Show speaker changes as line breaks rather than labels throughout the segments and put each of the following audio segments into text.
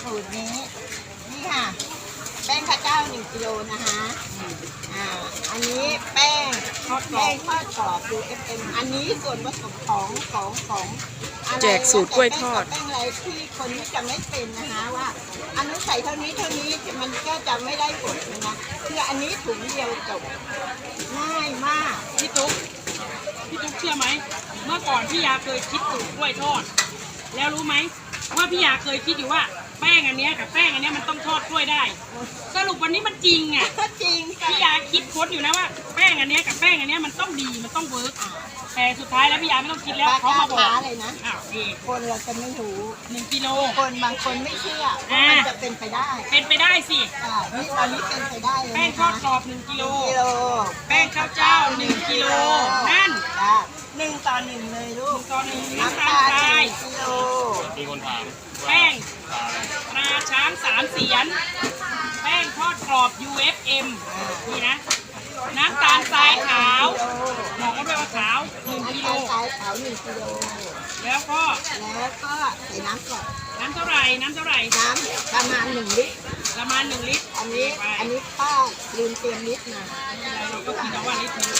สูตรนี้นี่ค่ะแป้งข้าวเจ้า1 กิโลนะคะอันนี้แป้งทอดกรอบ UFM อันนี้ส่วนผสมของ
แจกสูตรกล้วยทอด
แป้งอะไรที่คนที่จะไม่เป็นนะคะว่าอันนั้นใส่เท่านี้มันก็จะไม่ได้ผลนะคืออันนี้ถุงเดียวจบง่ายมาก
พี่ตุ๊กเชื่อไหมเมื่อก่อนพี่ยาเคยคิดสูตรกล้วยทอดแล้วรู้ไหมว่าพี่ยาเคยคิดอยู่ว่าแป้งอันเนี้ยกับแป้งอันเนี้ยมันต้องทอดกล้วยได้สรุปวันนี้มันจริงอ่ะ
จริง
พี่ยาคิดค้นอยู่นะว่าแป้งอันเนี้ยกับแป้งอันเนี้ยมันต้องดีมันต้องเวิร์กแต่สุดท้ายแล้วพี่ยาไม่ต้องคิดแล้วเขามาบอก
เลยนะ
ดี
คนเราจะไม่รู้
1 กิโล
คนบางคนไม่เชื่อว่ามันจะเป็นไปได้
สิ
นี่ตอนนี้เป็นไปได้เลย
แป้งทอดกรอบ1 กิโลแป้งข้าวเจ้า1 กิโลนั่น
1 ต่อ 1เลยลูก
1 ต่อ 1น้ำตาลทราย
1 กิโล
มีคนถาม
แป้งตราช้าง3 เสียนแป้งทอดกรอบ UFM นี่นะน้ำตาลทรายขาวบอกว่าด้วยว่าขาว1 กิโล
น้ำตาลทรายขาว1 กิโล
แล้วก็
ใส่น้ำก่อน
น้ำเท่าไหร่
น้ำประมาณ1 ลิตรอันนี้ป้าลืมเตรียมลิตรมา
เราก็คิดว่าลิตรนึง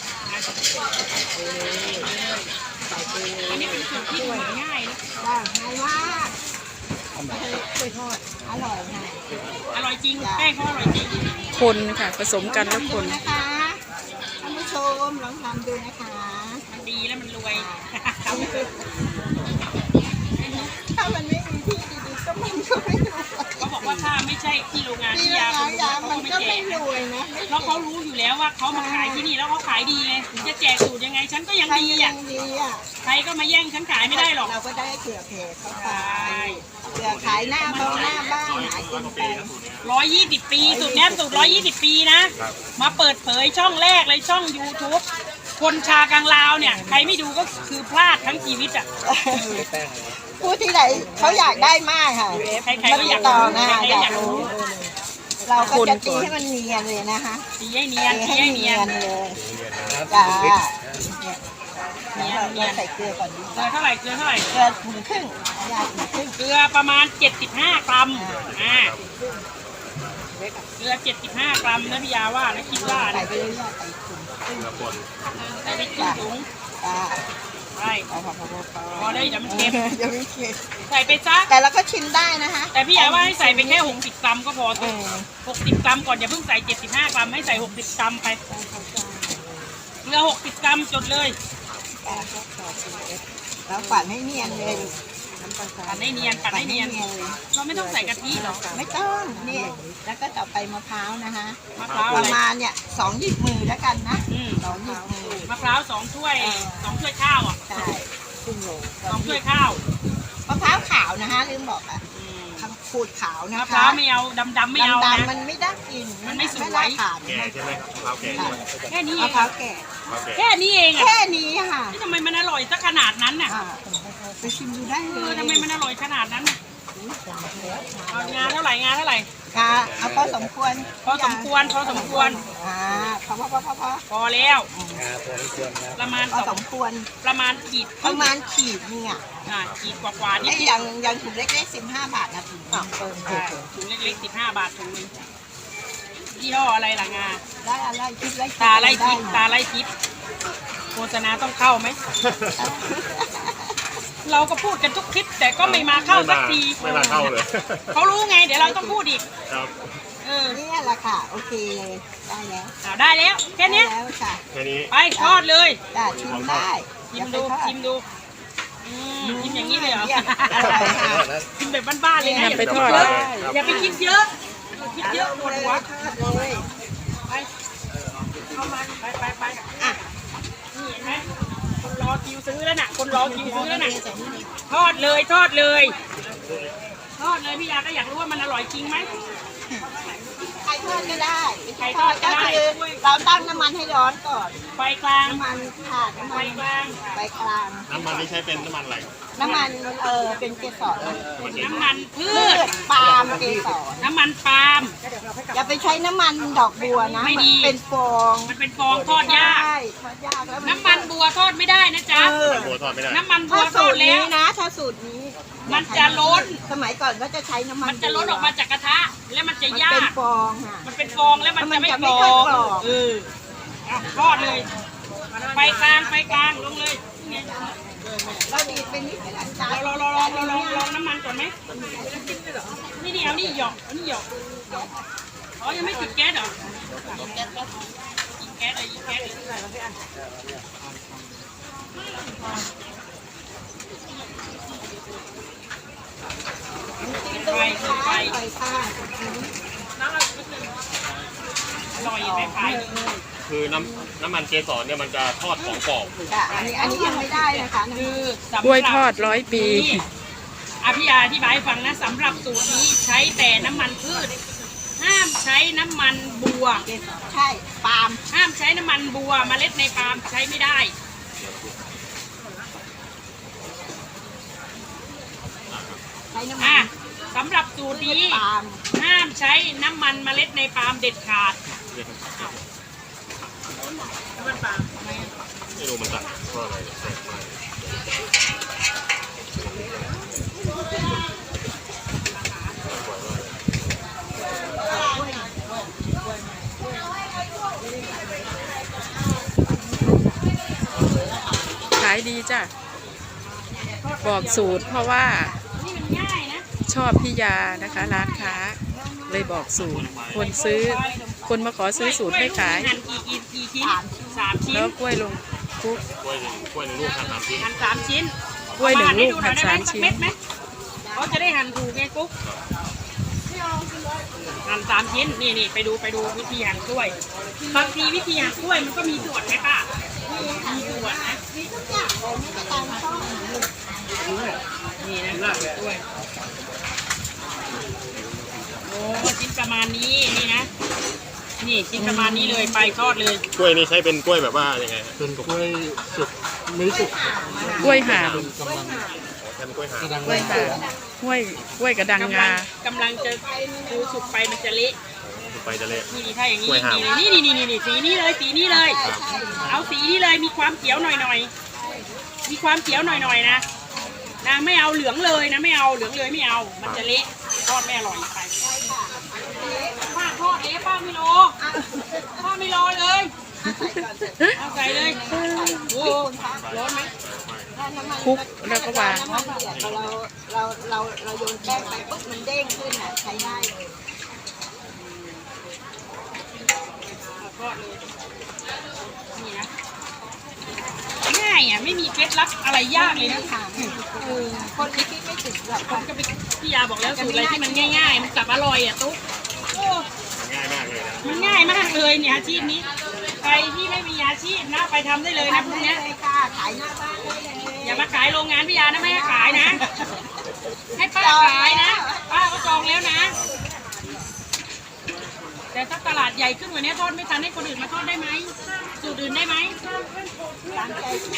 อันนี้เป็นสูตรที่เหมือนง่ายนะ
ง่ายมากกล้วยทอดอร่อยค่ะ
อร่อยจริงแป้งเขาอร่อยจริง
คนค่ะผสมกันแล้วคน
นะคะท่านผู้ชมลองทำดูนะคะ
มันดีแล้วมันรวย
ถ้ามันไม่มีที่ดีๆก็มันก็ไม่รวย
เขาบอกว่าถ้าไม่ใช่ที่โรงงานที่ยา
มันก็ไม่รวยนะ
เพราะเขารู้อยู่แล้วว่าเขามาขายที่นี่แล้วเขาขายดีไงถึงจะแจกสูตรยังไงฉันก็ยังดีอ่ะใครก็มาแย่งฉันขายไม่ได้หรอก
เราก็ได้เผื่อเพเข้าไปเผื่อขายหน้าบ้านหากินไป
120 ปีสูตรนี้สูตร120 ปีนะมาเปิดเผยช่องแรกเลยช่อง YouTube คนชากังลาวเนี่ยใครไม่ดูก็คือพลาดทั้งชีวิตอ่ะ
ผู้ที่ไหนเขาอยากได้มากค่ะ
ใครๆก็อยาก
ต่อนะอยากรู้เราก็จะตีให้มันเนียนเลยนะคะ
ตีให้เนียน
เลยจ้าเราใส่เกลือก่อนดี
เกลือเท่าไหร่
เกลือถุงครึ่ง
เกลือประมาณ75 กรัมเกลือ75 กรัมนะพี่ยาว่านะคิดว่า
ใส่ไปเรื่อยๆใส่ถุงครึ่ง
ใส่ไปครึ่งถุงใช่พอได้เดี๋ยวมันเค็มใส่ไปซัก
แต่เราก็ชิมได้นะคะ
แต่พี่ยาว่าให้ใส่ไปแค่60 กรัมก็พอ60 กรัมก่อนอย่าเพิ่งใส่75 กรัมให้ใส่60 กรัมไปเกลือ60 กรัมจดเลย
แล้วปั่นให้เนียนเลย
ปั่นให้เนียนเราไม่ต้องใส่กะทิหรอ
ไม่ต้องนี่แล้วก็ต่อไปมะพร้าวนะคะประมาณเนี่ย2 หยิบมือแล้วกันนะ2 หยิบมือ
มะพร้าว2 ถ้วย2 ถ้วยข้าวอ่ะ
ใช่
2 ถ้วยข้าว
มะพร้าวขาวนะคะลืมบอกอ่ะขูดขาวนะคะ
มะพร้าวไม่เอาดำไม่เอานะ
มันไม่ได้กิน
มันไม่สวย
แก่ใช่ไหมมะพร้าวแก่
แค่นี้
มะพร้าวแก่
แค่นี้เอง
แค่นี้ค่ะ
ทำไมมันอร่อยสักขนาดนั้นน่ะ
ไปชิมดูได้เลย
ทำไมมันอร่อยขนาดนั้นน่ะงาเท่าไหร่
เอาพอสมควร
พอสมควรพอแล้วประมาณ
พอสมควร
ประมาณขีด
เนี่ย
ขีดกว่านี่
อย่างถุงเล็กๆ15 บาทนะถุง
เล็กๆ15 บาทถุงนึงยี่ห้ออะไรล่ะงา
ได้อะไรทิพย์
ตาไล่ทิพย์โฆษณาต้องเข้าไหมเราก็พูดกันทุกคลิปแต่ก็ไม่มาเข้าสักที
ไม่มาเข้าเลย
เขารู้ไงเดี๋ยวเราต้องพูดอีก
ครับ
นี่แหละค่ะโอเคเลย
ได้แล้วแค่นี้
แค่นี้
ไปทอดเลย
ชิมได้
ชิมดูชิมอย่างนี้เลยเหรอชิมแบบบ้านๆเลยนะ
ไปทอด
อย่าไปคิดเยอะปวดหัวไปเข้ามาไปนี่เห็นไหมคนรอคิวซื้อแล้วน่ะทอดเลยพี่ยาก็อยากรู้ว่ามันอร่อยจริงไหม
ไข่ทอดก็ได้ก็คือเราตั้งน้ำมันให้ร้อนก่อน
ไฟกลาง
น้ำมันไฟกลาง
น้ำมันนี่ใช้เป็นน้ำมันอะไร
น้ำมันเป็นเกสร
น้ำมันพืช
ปาล์มเกสร
น้ำมันปาล์ม
อย่าไปใช้น้ำมันดอกบัวนะ
ไม่ดี
เป็นฟอง
มันเป็นฟองทอดยากน้ำมันบัวทอดไม่ได้นะจ๊ะ
บัวทอดไม่ได้
น้ำมันบัวทอดแล้ว
นะถ้าสูตรนี้
มันจะล้น
สมัยก่อนก็จะใช้น้ำมัน
มันจะล้นออกมาจากกระทะ แล้วมันจะ
มัน
ยา
เป็น
ก
ฟองค่ะ
มันเป็นฟองแล้วมันจะไม่
มันจะ
ก
ไม่
ร
ค่อย
อก
รอบ
อ่ะทอดเลย ไฟกลางลงเลย
เราดีดเป็นนิดเดียวอาจารย์
เราลองน้ำมันก่อนไหมนี่เอานี่หยอกเอานี่หยอกอ๋อยังไม่ติดแก๊สเหรอติดแก๊สเลยยิงแก๊สเลยไฟ
ไฟค่ะ
อร่อยไหมไฟ
คือน้ำมันเกสรเนี่ยมันจะทอดของกรอบ
ค่ะอันนี้ยังไม่ได้นะคะ
คือสำหรับ
กล้วยทอด100 ปี
พี่อธิบายให้ฟังนะสำหรับสูตรนี้ใช้แต่น้ำมันพืช ห้ามใช้น้ำมันบัว
ใช่ปาล์ม
ห้ามใช้น้ำมันบัวเมล็ดในปาล์มใช้ไม่ได้
ใช้น้ำมั
อ่ะ
น
สำหรับสูตรนี้
ปาล์ม
ห้ามใช้น้ำมันเมล็ดในปาล์มเด็ดขาดน้ำมันปาล์ม
ไม่รู้มันตัดเพราะอะไรแตกไป
ขายดีจ้ะ บอกสูตรเพราะว่า
นี่มันง่ายนะ
ชอบพี่ยานะคะ ร้านค้า เลยบอกสูตร คนซื้อ คนมาขอซื้อสูตรให้ขาย
หั่นกี่ชิ้น3 ชิ้น
แล้วกล้วยลงคลุก
กล้วยหนึ่งลูกทาน3 ชิ้น
หั่น3 ชิ้น
กล้วยหนึ่งลูก
หั่
หั่น3 ชิ้น
เม็ดไหมเขาจะได้หั่นถูกไงกุ๊กหั่น3 ชิ้นนี่ไปดูวิธีหั่นกล้วยบางทีวิธีหั่นกล้วยมันก็มีส่วนไหมป้ามีส่วนนะ
มีทุกอย่างเลยไม่ตามช่อง
นี่นะกล้วยโอ้ชิ้นประมาณนี้นี่นะนี่ชิ้นประมาณนี้เลยไปทอดเลย
กล้วยนี่ใช้เป็นกล้วยแบบว่ายังไงฮะ
เป็นกล้วยสุกไม่สุก
กล้วยห่าม
กำลัง
ใช้เป็นกล้วยหาง
กระดัง
กล้วยห่ามกล้วยกระดังงาก
ำลังจะดูสุกไปมันจะเละ
ไปจะเละ
นี่ถ้าอย่างนี้
กล้วยหาม
นี่สีนี้เลย เอาสีนี้เลยมีความเขียวหน่อยมีความเขียวหน่อยนะไม่เอาเหลืองเลยนะไม่เอาเหลืองเลยไม่เอามันจะเละทอดไม่อร่อยไปป้าทอดเละป้าไม่รอเลยเอาใส่เลยโอ้ร้อนไหม
คลุกแล้วก็วาง
น้ำมันเดือดเราโยนแป้งไปปุ๊บมันเด้งขึ้นอ่ะใช้ได้เลย
ทอดเลยนี่นะง่ายอ่ะไม่มีเคล็ดลับอะไรยากเลยนะ
ค่ะคนที่คิดไม่ถึงแบบ
ผมก็ไปพี่ยาบอกแล้วสูตรอะไรที่มันง่ายๆ มันกลับอร่อยอ่ะตุ๊กโอ้
ง่ายมากเลยนะ
มันง่ายมากเลยเนี่ยอาชีพนี้ใครที่ไม่มีอาชีพนะไปทำได้เลยนะพวกเนี้ย
เลยค่ะขายหน้าบ้านได้เลย
อย่ามาขายโรงงานพี่ยานะไม่ให้ขายนะ ให้ป้าขายนะป้าก็จองแล้วนะ แต่ถ้าตลาดใหญ่ขึ้นกว่านี้ทอดไม่ทันให้คนอื่นมาทอดได้ไหมสูตรอื่นได้ไหม
ตามใจ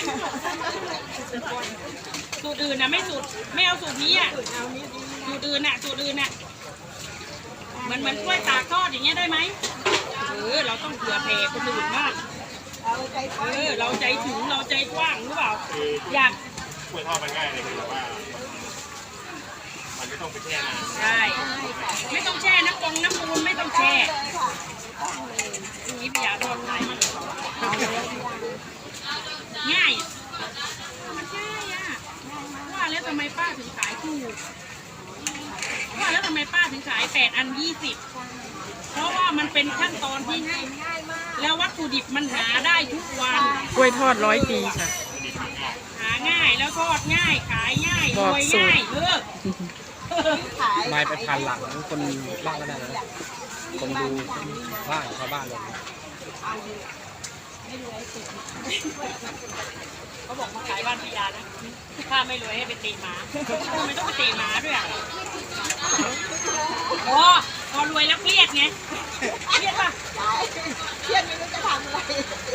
สูตรอื่นนะไม่เอาสูตรนี้อ่ะ
เอานี่ดี
สูตรอื่นน่ะเหมือนกล้วยตากทอดอย่างเงี้ยได้ไหมเราต้องเผื่อแผ่คนอื่นบ้าง
เอาใจกว้าง
เราใจถึงเราใจกว้างหรือเปล่า อยาก
กล้วยทอดมันง่ายเลยคือแบบว่า มันไม่ต้องไปแช่นาน
ใช่ไม่ต้องแช่น้ำมูลไม่ต้องแช่
เลยค่ะ
นี่พี่ยาทอดง่ายมาก
เอาเลย
ง่ายมันง่ายอ่ะว่าแล้วทำไมป้าถึงขายถูกว่าแล้วทำไมป้าถึงขาย8 อัน 20เพราะว่ามันเป็นขั้นตอนที่ง่าย
ง่ายมาก
แล้ววัตถุดิบมันหาได้ทุกวัน
กล้วยทอด100 ปีค่ะ
หาง่ายแล้วทอดง่ายขายง่ายร
บอก
วย
สูตร
ง่าย
ขาย
ไม้ไปพันหลังคนบ้านก็ได้นะคนดูบ้านชาวบ้านเลย
เขาบอกมาขายบ้านพิยานะถ้าไม่รวยให้ไปเตะหมาทำไมต้องไปเตะหมาด้วยอ่ะโอ้พอรวยแล้วเครียดไงเครียดป่ะ
ขายเครียดไม่รู้จะทำอะไร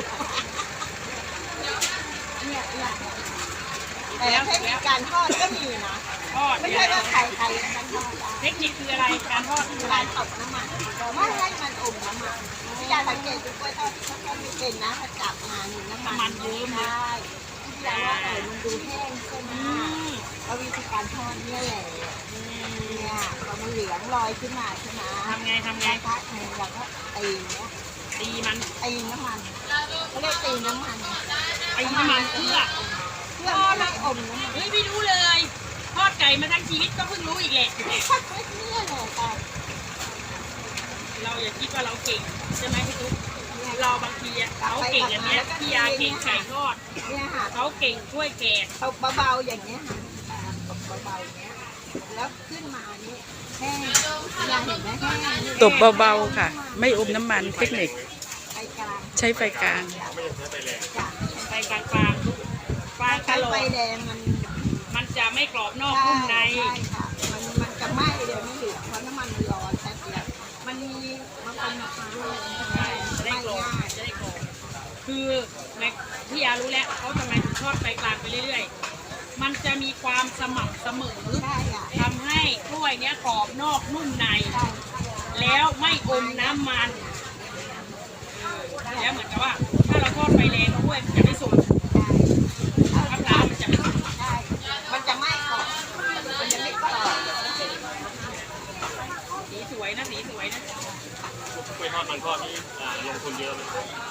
แต่เทคนิคการทอดก็มีนะ
ทอด
ไม่
เนี่ย
ใช่ว่าใครๆกันทอดได้
เทคนิคคืออะไรการทอดคืออะไร
การตบน้ำมันไม่ให้มันอมน้ำมันพี่ยาสังเกตดูกล้วยทอดที่เขาทอดไม่เป็นนะถ้าจับมาหนึ่งน้ำมันเยอะมากพี่ยาว่ามันดูแห้งใช่ไหมพอก็วิธีการทอดเนี่ยแหละเนี่ยพอมันเหลืองลอยขึ้นมาใช่ไหม
ทำไง
กระทะหนึ่งเราก็ตีเนี่ย
ตีมัน
ตีน้ำมันเขาเรียกตีน้ำมัน
ตีน้ำมันเพื่อ
เพื่อไม่ให้อมน้ำมัน
เฮ้ยไม่รู้เลยทอดไก่มาทั้งชีวิตก็เพิ่งรู้อีกแหละ
เนี่ยแหละค่ะ
เราอย่าคิดว่าเราเก่งใช่ไหมพี่ตุ๊กเราบางทีอะเขาเก่งอันเนี้ยพี่ยาเก่งไก่ทอด
เนี่ยค่ะ
เขาเก่งช่วยแกะ
ตบเบาๆอย่างเงี้ยค่ะตบเบาๆอย่างเงี้ยแล้วขึ้นมานี่แห้งอยากเห็นไหมแห้งนี่
ตบเบาๆค่ะ ไม่อมน้ำมันเทคนิค
ไปกลาง
ใช้ไฟกลาง
จ้ะ
ไปกลางๆปลา
ใช้
กะโหล
ไฟ
ก
แดงมัน
มันจะไม่กรอบนอก
ใช่
นุ่มใน
ใช่ค่ะมันจะไหม้เดี๋ยวไม่เหลืองเพราะน้ำมันมันร้อนแป๊บเดียวมันมีมะพร้าวใช่
จะได้
ไหม
กรอบ
ง่าย
จะได้กรอบคือในพี่ยารู้แล้วเขาทำไมถึงทอดไฟกลางไปเรื่อยๆ มันจะมีความสม่ำเสมอ
ใช่ค่ะ
ทำให้กล้วยเนี้ยกรอบนอกนุ่มใน
ใช่
แล้วไม่อมน้ำมันแล้วเหมือนกับว่า ถ้าเราทอดไฟแรงกล้วยมันจะไม่สุกมะพร้าวมันจะไม่สุก
ใช่มันจะไหม้ก่อนมันจะไม่กรอบ
สีสวยนะสีสวยนะ
กล้วยทอดมันทอดนี่ลงทุนเยอะไหม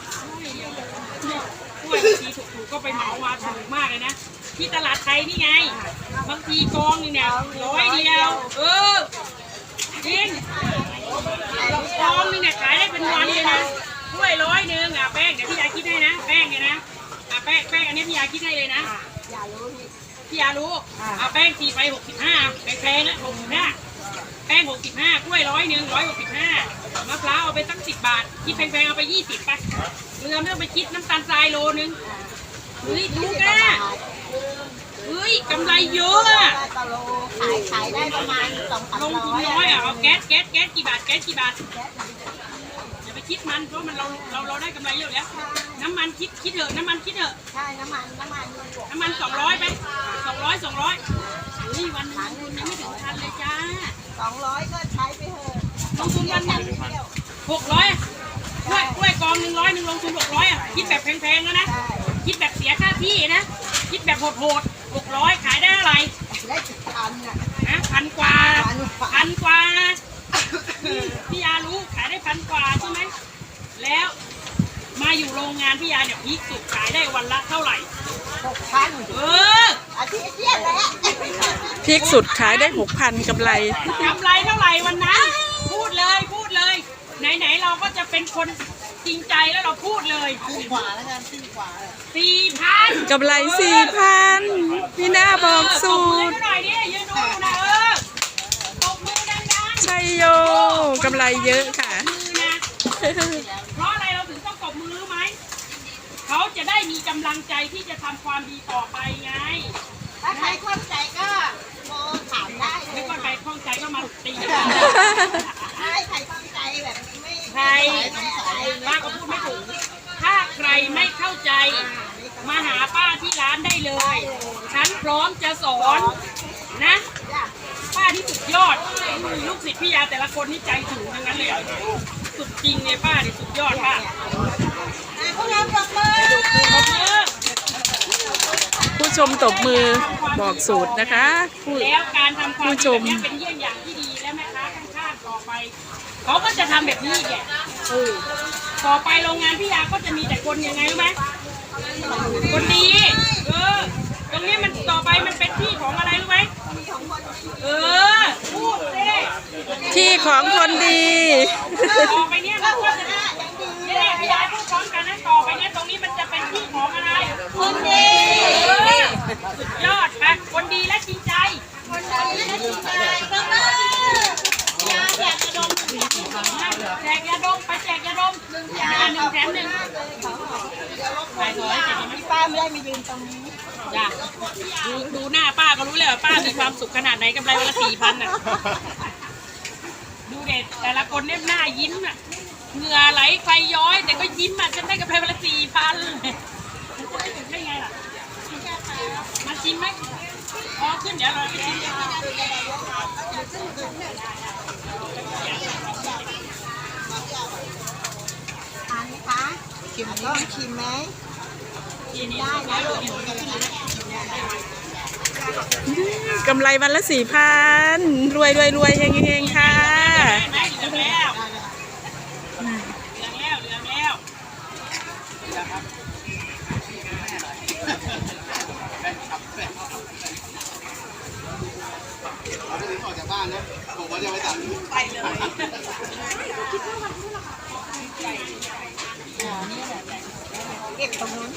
กล้วยบางทีถูกๆก็ไปเหมามาถูกมากเลยนะ ที่ตลาดไทยนี่ไง บางทีกองนึงเนี่ย100 เดียว จริงกองนึงเนี่ยขายได้เป็นวันเลยนะกล้วย100 นึงแป้งเดี๋ยวพี่ยาคิดให้นะแป้งเนี่ยนะแป้งอันนี้พี่ยาคิดให้เลยนะ
อย่ารู้นี่
พี่ยารู้แป้งตีไป65แพงๆนะ65แป้ง65กล้วย100 นึง165มะพร้าวเอาไปตั้ง10 บาทคิดแพงๆเอาไป20ไปเกลือไม่ต้องไปคิดน้ำตาลทรายโลนึงเฮ้ยถูกอ่ะเฮ้ยกำไรเยอะอ่ะ
ตะโลขายได้ประมาณ2,300
ลงทุนน้อยอ่ะเอาแก๊สกี่บาทอย่าไปคิดมันเพราะมันเราได้กำไรเยอะแล้วน้ำมันคิดเถอะน้ำมันคิดเถอะ
ใช่น้ำมัน
200ไป200เฮ้ยวันนึงยังไม่ถึงพันเลยจ้า
200ก็ใช้ไปเถอะ
ลงทุนวันนึง
เที่ยว
600กล้วยกอง100นึงลงทุน600อ่ะคิดแบบแพงๆแล้วนะ
ใช่
คิดแบบเสียค่าที่นะคิดแบบโหด600ขายได้อะไร
ได้10,000น่ะ
นะ1,000 กว่าพี่ยารู้ขายได้1,000 กว่าใช่ไหมแล้วมาอยู่โรงงานพี่ยาเนี่ยพีคสุดขายได้วันละเท่าไหร่
6,000อาทิตย์เที่ยงแล้ว
พีคสุดขายได้ 6,000กำไร
กำไรเท่าไหร่วันนั้นพูดเลยไหนเราก็จะเป็นคนจริงใจแล้วเราพูดเลย
4 กว่าแล้วกัน4 กว่า
4,000
กำไร 4,000 พี่หน้าบอกสูตร
หน่อยดิยืนดูนะตบมือดังๆ
ชัยโยกำไรเยอะค่ะ
มือนะเพราะอะไรเราถึงต้องตบมือรู้ไหมเขาจะได้มีกำลังใจที่จะทำความดีต่อไปไง
ถ้าใครข้องใจก็โทรถามได้เล
ไม่
ย
ว่าใครข้องใจก็มาตี
ใช่ใครข้องใจแบบไม่
ใครป้าก็พูดไม่ถูกถ้าใครไม่เข้าใจมาหาป้าที่ร้านได้เลย ฉันพร้อมจะสอนนะ
จ้ะ
ป้าที่สุดยอดลูกศิษย์พี่ยาแต่ละคนนี่ใจถึงทั้งนั้นเลยอะสุดจริงเลยป้านี่สุดยอดป้า
พวกเราปรบมือ
ขอบคุณ
ผู้ชมตบมือบอกสูตรนะคะผู้
แล้วการทำความ
ผู้
ดี
ช
แบ
ม
บนี้เป็นเยี่ยงอย่างที่ดีและแม่ค้าข้างๆต่อไปเขาก็จะทำแบบนี้อีกแหละต่อไปโรงงานพี่ยาก็จะมีแต่คนยังไงรู้ไหมคนดีตรงนี้มันต่อไปมันเป็นที่ของอะไรรู้ไหมพูดสิ
ที่ของคนดี
ต่อไปเนี่ยมันก็จะเนี่ยพี่ยาพูดพร้อมกันนะต่อไปเนี่ยตรงนี้มันจะเป็นที่ของอะไรคนดีสุดยอดไปคนดีและจริงใจคนดีและจริงใจปรบมือยาแจกยาดมแจกยาดมไปแจกยาดม1 แถม 1ไปถอยจะดีไหม
พี่ป้าไม่ได้มายืนตรงนี้
จ้ะดูหน้าป้าก็รู้เลยว่าป้ามีความสุขขนาดไหนกำไรวันละ4,000น่ะดูเด็ดแต่ละคนเนี่ยหน้ายิ้มอ่ะเหงื่อไหลไฟย้อยแต่ก็ยิ้มอ่ะฉันได้กำไรวันละ4,000ได้ไงล่ะมาชิมไหมพอขึ้นเดี๋ยวเราไปชิมกัน
ทานไหมคะชิมต้องชิมไหม
ทีนี้
ได้
ได้
นะ
ลู
ลู
ก
ก
กำไรวันละ 4,000 รวยเฮงๆค่ะ
ได้ไหมเหลืองแล้วเหลืองแล้วเหลืองแล้ว
เราได้ถึงออกจากบ้านนะผมว่าจะไปตัด
ไปเลย
เก็บตรงนั้น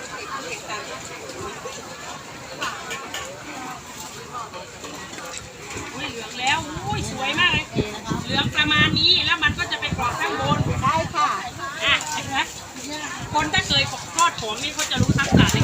อุ้ยเหลืองแล้วอุ้ยสวยมากเลย เหลืองประมาณนี้แล้วมันก็จะไปกรอบข้างบน
ได้ค่ะ
อ่ะเห็นไหมคนถ้าเคยทอดของนี่เขาจะรู้ทักษะใน